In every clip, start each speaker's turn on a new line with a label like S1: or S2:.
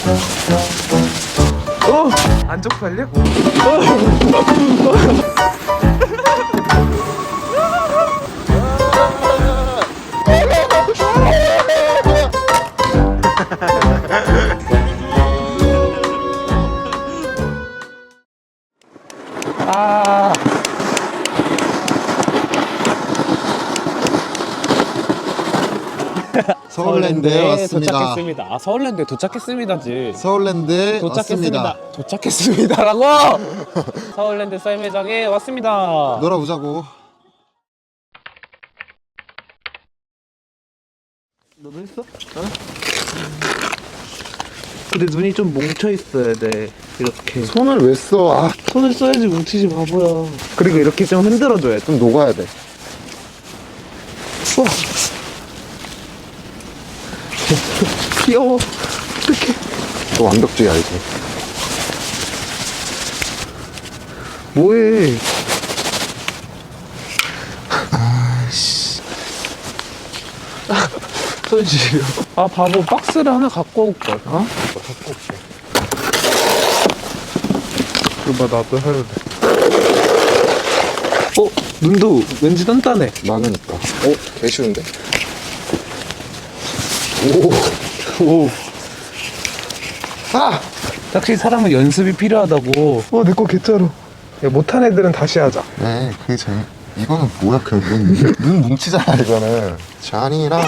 S1: 안 쪽팔려? 아.
S2: 서울랜드에 왔습니다.
S1: 도착했습니다. 아, 서울랜드에 도착했습니다지.
S2: 서울랜드에
S1: 도착했습니다.
S2: 왔습니다.
S1: 도착했습니다라고. 서울랜드 썰매장에 왔습니다.
S2: 놀아보자고.
S1: 너도 했어? 어? 근데 눈이 좀 뭉쳐 있어야 돼. 이렇게
S2: 손을 왜 써? 아,
S1: 손을 써야지 뭉치지 바보야. 그리고 이렇게 좀 흔들어줘야 돼.
S2: 좀 녹아야 돼.
S1: 우와. 귀여워. 어떡해.
S2: 너 완벽주의 알지?
S1: 뭐해? 손 시려. 아, 바보, 박스를 하나 갖고 올걸. 어?
S2: 갖고 올게.
S1: 그봐, 나도 해야 돼. 눈도 왠지 단단해.
S2: 나는 있다. 개 쉬운데?
S1: 오. 아! 확실히 사람은 연습이 필요하다고. 내 거 개짜로. 야, 못한 애들은 다시 하자.
S2: 네, 그게 재미. 이거는 뭐야, 그냥 눈 뭉치잖아, 이거는. 잔이랑.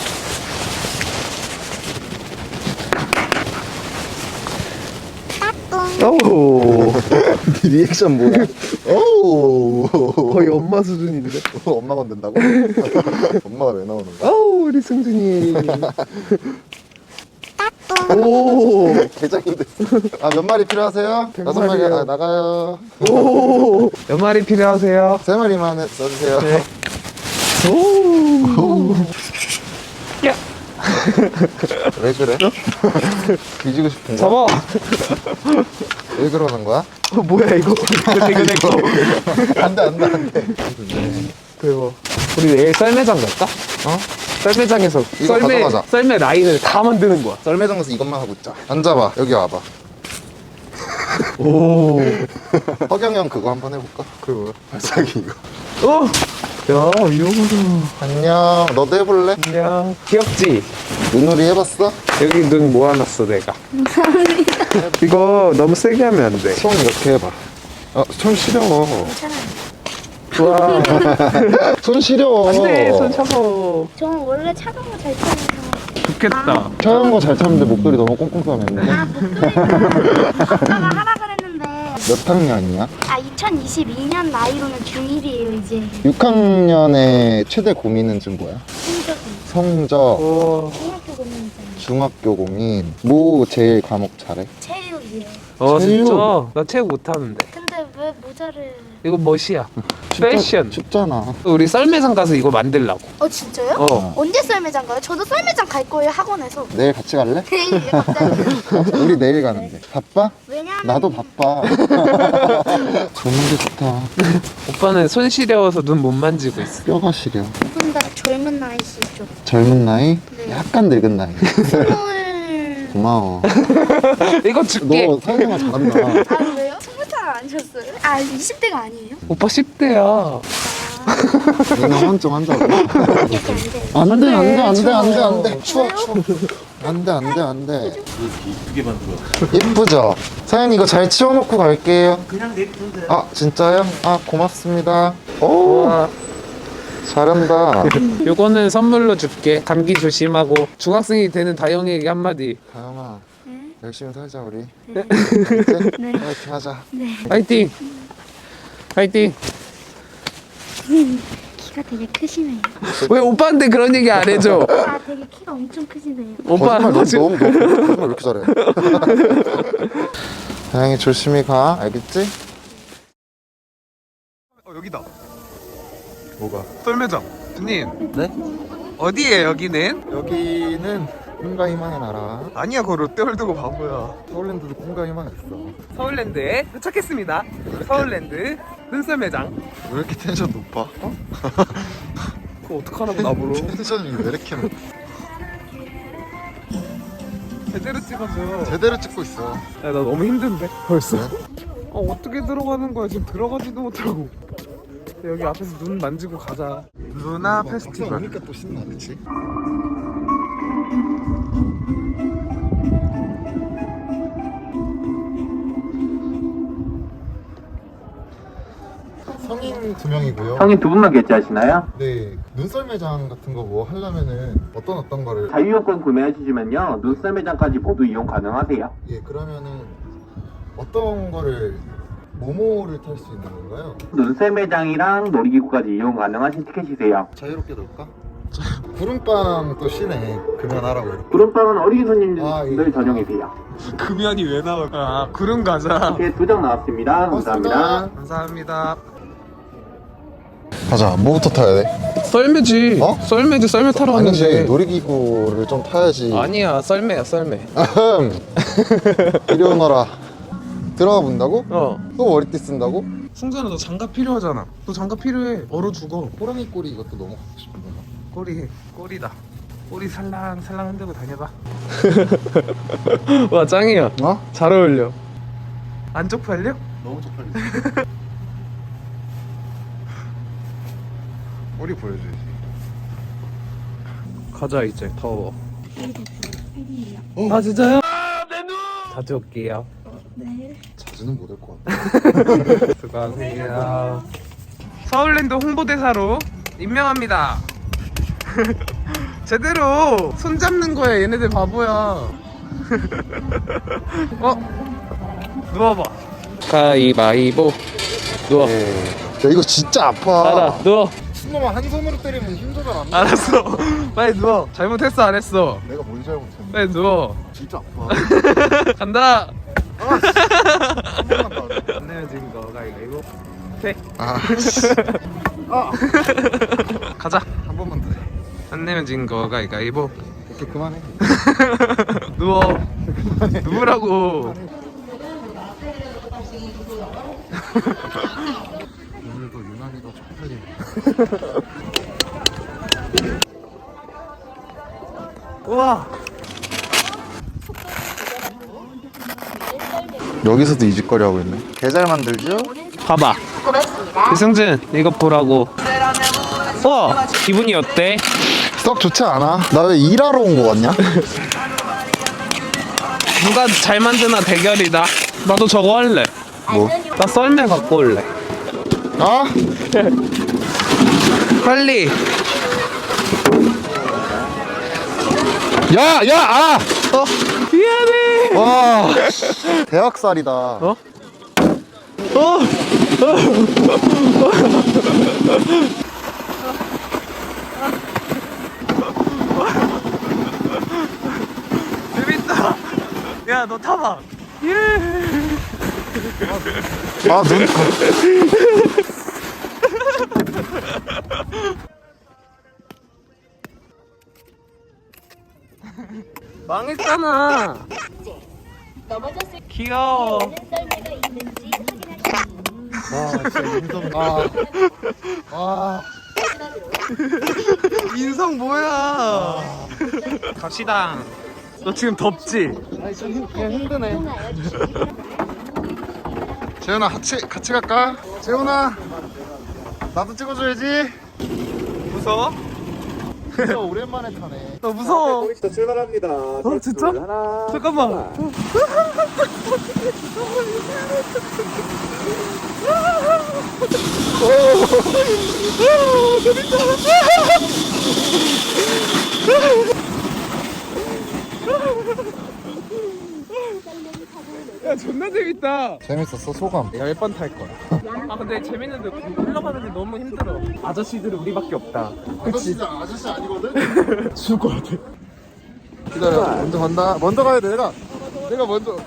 S1: 오.
S2: 리액션 뭐야? 오.
S1: 거의 엄마 수준인데.
S2: 엄마가 된다고? 엄마가 왜 나오는 거야?
S1: 아우, 우리 승준이. 오.
S2: 개장인데. 아, 몇 마리 필요하세요? 5마리. 아, 나가요.
S1: 오. 몇 마리 필요하세요?
S2: 3마리만 써주세요.
S1: 네. 오. 야.
S2: 왜 그래? 뒤지고 싶은 거야?
S1: 잡아.
S2: 왜 그러는 거야?
S1: 뭐야 이거? 이거 내 거.
S2: 안 돼.
S1: 대박. 우리 내일 썰매장 갈까? 썰매장에서
S2: 이거 가져가자.
S1: 썰매 라인을 다 만드는 거야.
S2: 썰매장 가서 이것만 하고 있자. 앉아봐. 여기 와봐.
S1: 오.
S2: 허경영 그거 한번 해볼까? 그거 발차기 이거.
S1: 야, 이거보다.
S2: 안녕. 너도 해볼래?
S1: 안녕. 귀엽지?
S2: 눈놀이 해봤어?
S1: 여기 눈 모아놨어 내가. 감사합니다. 이거 너무 세게 하면 안 돼.
S2: 손 이렇게 해봐. 손 시려.
S1: 좋아.
S2: 손 시려.
S1: 안돼, 손 차가워.
S3: 저는 원래 차가운 거 잘 참아서.
S1: 좋겠다.
S2: 차가운 거 잘 참는데 목소리 너무 꽁꽁감했네.
S3: 목소리는 아빠가 하라 그랬는데.
S2: 몇 학년이야?
S3: 2022년 나이로는 중1이에요 이제.
S2: 6학년의 최대 고민은 지금 뭐야? 성적.
S1: 오.
S3: 중학교 고민이잖아요.
S2: 중학교 고민. 뭐 제일 과목 잘해?
S3: 체육이요.
S1: 진짜? 나 체육 못하는데.
S3: 근데 왜 모자를?
S1: 이거 멋이야. 패션.
S2: 춥잖아.
S1: 우리 썰매장 가서 이거 만들라고.
S3: 진짜요? 언제 썰매장 가요? 저도 썰매장 갈 거예요 학원에서.
S2: 내일 같이 갈래?
S3: 네, 갑자기.
S2: 우리 내일 가는데. 바빠?
S3: 왜냐면
S2: 나도 바빠. 좋은데 좋다.
S1: 오빠는 손 시려워서 눈 못 만지고 있어.
S2: 뼈가 시려.
S3: 두분 다 젊은 나이시죠?
S2: 젊은 나이?
S3: 네.
S2: 약간 늙은 나이.
S3: 20...
S2: 고마워.
S1: 이거 줄게.
S2: 너 사회생활 잘한다.
S3: 왜요? 20살 아니셨어요? 20대가 아니에요?
S1: 오빠 10대야.
S2: 누나 헌정 한다고.
S3: 이렇게 안 돼요.
S2: 안돼. 추워. 안돼.
S4: 이쁘게 만들어.
S2: 예쁘죠? 사장님 이거 잘 치워놓고 갈게요. 그냥 냅둔데. 진짜요? 고맙습니다. 오,
S1: 와,
S2: 잘한다.
S1: 요거는 선물로 줄게. 감기 조심하고. 중학생이 되는 다영이에게 한마디.
S2: 다영아, 열심히 살자 우리.
S3: 네.
S2: 네. 파이팅 하자.
S1: 파이팅. 파이팅.
S3: 키가 되게 크시네요.
S1: 왜 오빠한테 그런 얘기 안 해줘?
S3: 되게 키가 엄청 크시네요.
S1: 오빠
S2: 거짓말 너무 왜 이렇게 잘해? 다영이 조심히 가. 알겠지?
S1: 여기다.
S2: 뭐가?
S1: 썰매장. 주님.
S2: 네?
S1: 어디에 여기는?
S2: 여기는 꿈과 희망의 나라.
S1: 아니야, 그거 롯데월드고 바보야.
S2: 서울랜드도 꿈과 희망이 있어.
S1: 서울랜드에 도착했습니다. 서울랜드 눈썰매장.
S2: 왜 이렇게 텐션 높아?
S1: 그거 어떡하라고 나보러.
S2: 텐션이 왜 이렇게 높아?
S1: 제대로 찍어줘.
S2: 제대로 찍고 있어.
S1: 야, 나 너무 힘든데 벌써? 어떻게 들어가는 거야? 지금 들어가지도 못하고. 여기 앞에서 눈 만지고 가자. 루나 페스티벌.
S2: 오니까 또 신나, 그치? 성인 2명이고요.
S4: 성인 두 분만 결제하시나요?
S2: 네, 눈썰 매장 같은 거 뭐 하려면은 어떤 거를
S4: 자유여권 구매하시면요 눈썰 매장까지 모두 이용 가능하세요.
S2: 예, 그러면은 어떤 거를 모모를 탈 수 있는 건가요?
S4: 눈썰 매장이랑 놀이기구까지 이용 가능하신 티켓이세요.
S2: 자유롭게 놀까? 구름빵 또 쉬네. 금연하라고 이렇게.
S4: 구름빵은 어린이 손님들
S2: 예.
S4: 전용이세요.
S1: 금연이 왜 나올까? 구름 가자.
S4: 티켓 2장 나왔습니다. 감사합니다.
S1: 감사합니다.
S2: 가자. 뭐부터 타야 돼?
S1: 썰매지.
S2: 어?
S1: 썰매지. 썰매 타러
S2: 아니지,
S1: 왔는데.
S2: 놀이기구를 좀 타야지.
S1: 아니야, 썰매야, 썰매.
S2: 이리 오너라. 들어가 본다고?
S1: 어.
S2: 또 머리띠 쓴다고?
S1: 승준아, 너 장갑 필요하잖아. 너 장갑 필요해. 얼어 죽어.
S2: 호랑이 꼬리 이것도 너무 갖고 싶은데.
S1: 꼬리다. 꼬리 살랑살랑 흔들고 다녀봐. 와, 짱이야.
S2: 어?
S1: 잘 어울려. 안 쪽팔려?
S2: 너무 쪽팔리지. 꼬리 보여줘야지.
S1: 가자, 이제. 더워. 아, 진짜요? 자주 올게요.
S2: 자주는 못 올 것 같아.
S1: 수고하세요. 서울랜드 홍보대사로 임명합니다. 제대로 손 잡는 거야. 얘네들 바보야. 누워봐. 가위바위보. 누워.
S2: 야, 이거 진짜 아파.
S1: 알아, 누워.
S2: 순놈아, 한 손으로 때리면 힘 조절 안 돼.
S1: 알았어. 빨리 누워. 잘못했어, 안 했어?
S2: 내가 뭘 잘못했는데.
S1: 빨리 누워.
S2: 진짜 아파.
S1: 간다.
S2: 한 번만 더 하자.
S1: 안 내면 지금 거 가위바위보. 오케이.
S2: 아,
S1: 가자.
S2: 한 번만 더 해.
S1: 안 내면 지금 거 가위바위보.
S2: 오케이, 그만해.
S1: 누워. 누우라고.
S2: 오늘도 유난히도 쪽팔리네.
S1: 우와.
S2: 여기서도 이 짓거리 하고 있네. 개잘 만들죠?
S1: 봐봐. 이승준, 이거 보라고. 기분이 어때?
S2: 썩 좋지 않아? 나 왜 일하러 온 거 같냐?
S1: 누가 잘 만드나 대결이다. 나도 저거 할래.
S2: 뭐?
S1: 나 썰매 갖고 올래.
S2: 아?
S1: 빨리.
S2: 야! 야! 아!
S1: 미안해.
S2: 와, 대학살이다.
S1: 재밌다. 야, 너 타봐.
S2: 아, 눈.
S1: 망했잖아.
S3: 넘어졌을
S1: 귀여워.
S3: 썰매가 있는지 확인하시고
S2: 아, 진짜 인성. 아.
S1: 인성 뭐야? 갑시다. 너 지금 덥지?
S2: 아니, 좀 그냥 힘드네. 재훈아, 같이 갈까? 재훈아, 나도 찍어줘야지.
S1: 무서워?
S2: 진짜 오랜만에 타네.
S1: 너 무서워.
S4: 자, 출발합니다.
S1: 진짜? 잠깐만. 야, 존나 재밌다.
S2: 재밌었어, 소감.
S1: 내가 몇 번 탈 거야? 아, 근데 재밌는데 흘러가는 게 너무 힘들어. 아저씨들은 우리밖에 없다.
S2: 아저씨 아니거든? 죽을 것 같아. 기다려, 먼저 간다. 먼저 가야 돼, 내가 먼저.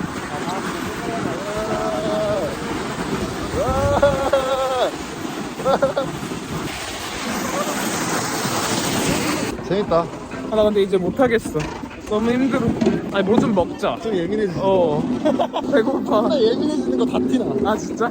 S2: 재밌다.
S1: 아, 나 근데 이제 못 하겠어. 너무 힘들어. 아니, 뭐 좀 먹자.
S2: 좀 예민해지.
S1: 배고파.
S2: 예민해지는 거 다 티나.
S1: 아, 진짜?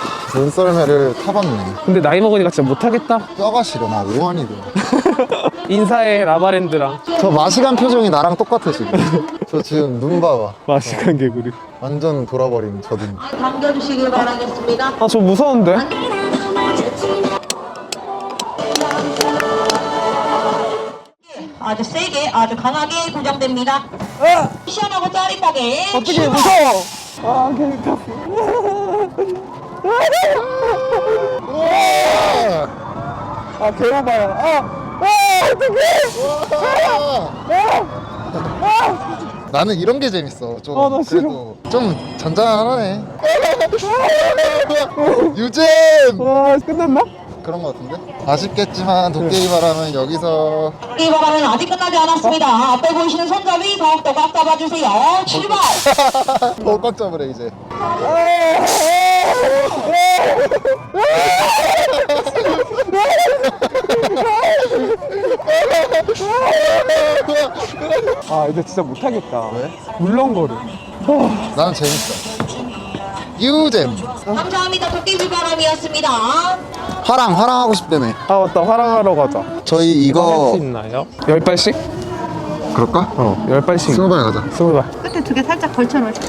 S2: 눈썰매를 타봤네.
S1: 근데 나이 먹으니까 진짜 못 하겠다.
S2: 뼈가 시려, 나 오한이 돼.
S1: 인사해 라바랜드랑.
S2: 저 마시간 표정이 나랑 똑같아 지금. 저 지금 눈 봐봐.
S1: 마식한 개구리.
S2: 완전 돌아버린 저 눈.
S5: 당겨주시길 바라겠습니다.
S1: 아 저 무서운데?
S5: 아주 세게, 아주 강하게 고정됩니다. 시원하고 짜릿하게.
S1: 어떻게 무서워? 아 개미타. 아 개오바야.
S2: 나는 이런 게 재밌어. 좀
S1: 아, 나 싫어.
S2: 그래도 좀 잔잔하네. 유잼
S1: 와 끝났나?
S2: 그런 거 같은데? 아쉽겠지만 도깨비 바람은 여기서
S5: 이 바람은 아직 끝나지 않았습니다. 앞에 보이시는 손잡이 더욱더 꽉 잡아주세요. 출발!
S2: 꽉 잡으래 이제.
S1: 아 이제 진짜 못하겠다.
S2: 왜?
S1: 물렁거려.
S2: 나는 재밌어. 유잼
S5: 감사합니다. 도깨비 바람이었습니다.
S2: 화랑 하고 싶다며.
S1: 아 맞다 화랑하러 가자.
S2: 저희
S1: 할
S2: 이거
S1: 수 있나요? 10발씩?
S2: 그럴까?
S1: 10발씩.
S2: 20발 가자.
S1: 20발.
S3: 끝에 두 개 살짝 걸쳐놓자.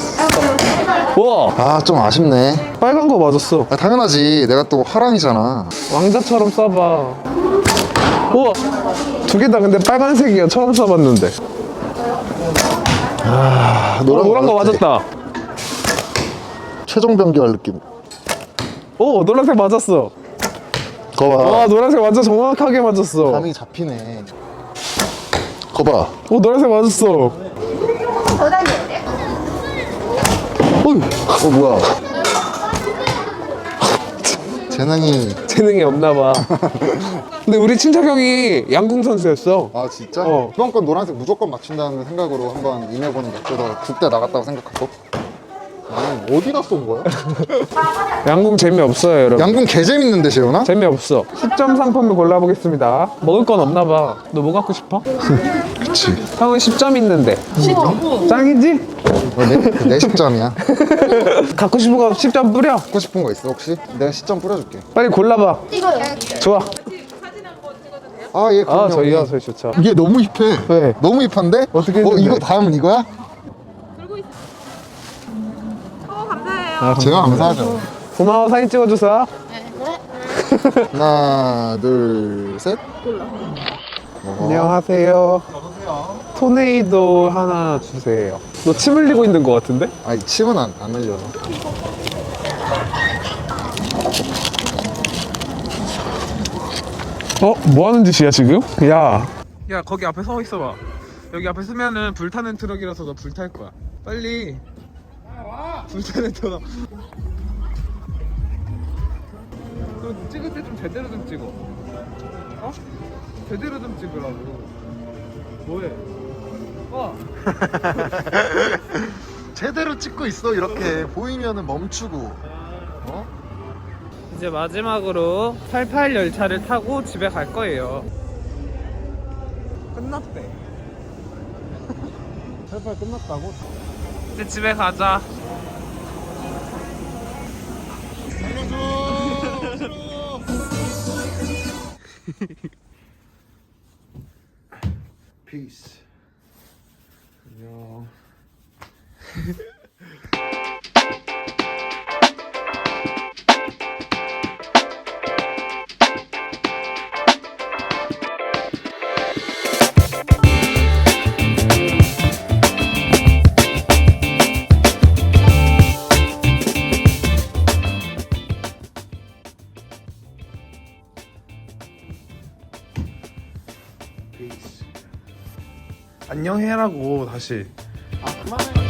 S1: 우와
S2: 아 좀 아쉽네.
S1: 빨간 거 맞았어.
S2: 아, 당연하지. 내가 또 화랑이잖아.
S1: 왕자처럼 써봐. 우와 두 개 다 근데 빨간색이야. 처음 써봤는데. 노란 거
S2: 맞았지?
S1: 맞았다.
S2: 최종 변기할 느낌.
S1: 오 노란색 맞았어.
S2: 거봐.
S1: 와 노란색 완전 정확하게 맞았어.
S2: 감이 잡히네. 거봐.
S1: 오 노란색 맞았어.
S3: 더 다녀야 돼?
S2: 뭐야.
S1: 재능이 없나봐. 근데 우리 친척 형이 양궁 선수였어.
S2: 아 진짜?
S1: 어.
S2: 이번 건 노란색 무조건 맞춘다는 생각으로 한번 임해보는 게 그래서 국대 나갔다고 생각하고. 나는 어디다 쏜 거야?
S1: 양궁 재미없어요 여러분.
S2: 양궁 개 재밌는데 재현아?
S1: 재미없어. 10점 상품을 골라보겠습니다. 먹을 건 없나봐. 너 뭐 갖고 싶어?
S2: 그치.
S1: 형은 10점 있는데. 10점? 짱이지?
S2: 내 10점이야.
S1: 갖고 싶은 거 10점 뿌려.
S2: 갖고 싶은 거 있어 혹시? 내가 10점 뿌려줄게.
S1: 빨리 골라봐.
S3: 이거요.
S1: 좋아.
S2: 아 얘 그럼요.
S1: 저희요 저희 좋죠.
S2: 이게 너무 힙해.
S1: 왜?
S2: 너무 힙한데?
S1: 어떻게 했는데?
S2: 이거 다음은 이거야? 제가 감사하죠.
S1: 고마워 사진 찍어줘서.
S2: 하나 둘 셋.
S1: 안녕하세요. 토네이도 하나 주세요. 너 침 흘리고 있는 거 같은데?
S2: 아니 침은 안 흘려.
S1: 뭐 하는 짓이야 지금? 야 거기 앞에 서 있어봐. 여기 앞에 서면은 불타는 트럭이라서 너 불탈 거야. 빨리 불타는 트럭. 너 찍을 때 좀 제대로 좀 찍어. 어? 제대로 좀 찍으라고. 뭐해?
S2: 제대로 찍고 있어 이렇게 보이면은 멈추고. 어?
S1: 이제 마지막으로 88 열차를 타고 집에 갈 거예요. 끝났대. 88 끝났다고? 이제 집에 가자.
S2: 피스.
S1: 안녕. 안녕 해라고 다시.
S2: 아 그만해.